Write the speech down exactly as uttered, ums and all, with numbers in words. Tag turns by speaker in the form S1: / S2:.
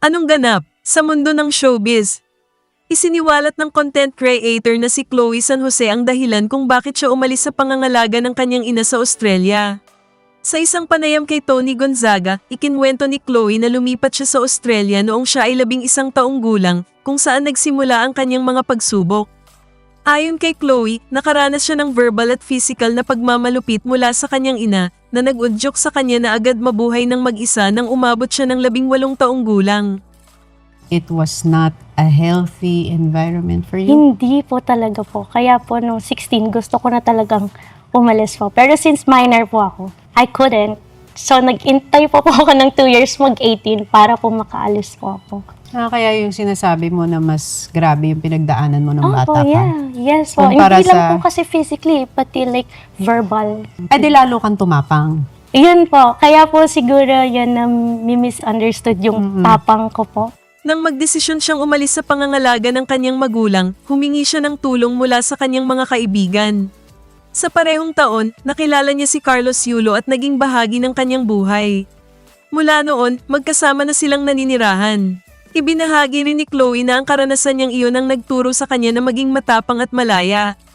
S1: Anong ganap sa mundo ng showbiz? Isiniwalat ng content creator na si Chloe San Jose ang dahilan kung bakit siya umalis sa pangangalaga ng kanyang ina sa Australia. Sa isang panayam kay Tony Gonzaga, ikinwento ni Chloe na lumipat siya sa Australia noong siya ay labing isang taong gulang, kung saan nagsimula ang kanyang mga pagsubok. Ayon kay Chloe, nakaranas siya ng verbal at physical na pagmamalupit mula sa kanyang ina, na nag-udyok sa kanya na agad mabuhay ng mag-isa nang umabot siya ng labing walong taong gulang.
S2: It was not a healthy environment for you?
S3: Hindi po talaga po. Kaya po nung sixteen, gusto ko na talagang umalis po. Pero since minor po ako, I couldn't. So nag-intay po po ako ng two years mag-eighteen para po makaalis po ako.
S2: Ah, kaya yung sinasabi mo na mas grabe yung pinagdaanan mo ng bata
S3: Opo,
S2: ka?
S3: yeah. Yes po.
S2: Kumpara
S3: Hindi lang
S2: sa-
S3: po kasi physically, pati like verbal.
S2: Eh di lalo kang tumapang.
S3: Yun po. Kaya po siguro yun na mi-misunderstood yung tapang ko po.
S1: Nang magdesisyon siyang umalis sa pangangalaga ng kanyang magulang, humingi siya ng tulong mula sa kanyang mga kaibigan. Sa parehong taon, nakilala niya si Carlos Yulo at naging bahagi ng kanyang buhay. Mula noon, magkasama na silang naninirahan. Ibinahagi rin ni Chloe na ang karanasan niyang iyon ang nagturo sa kanya na maging matapang at malaya.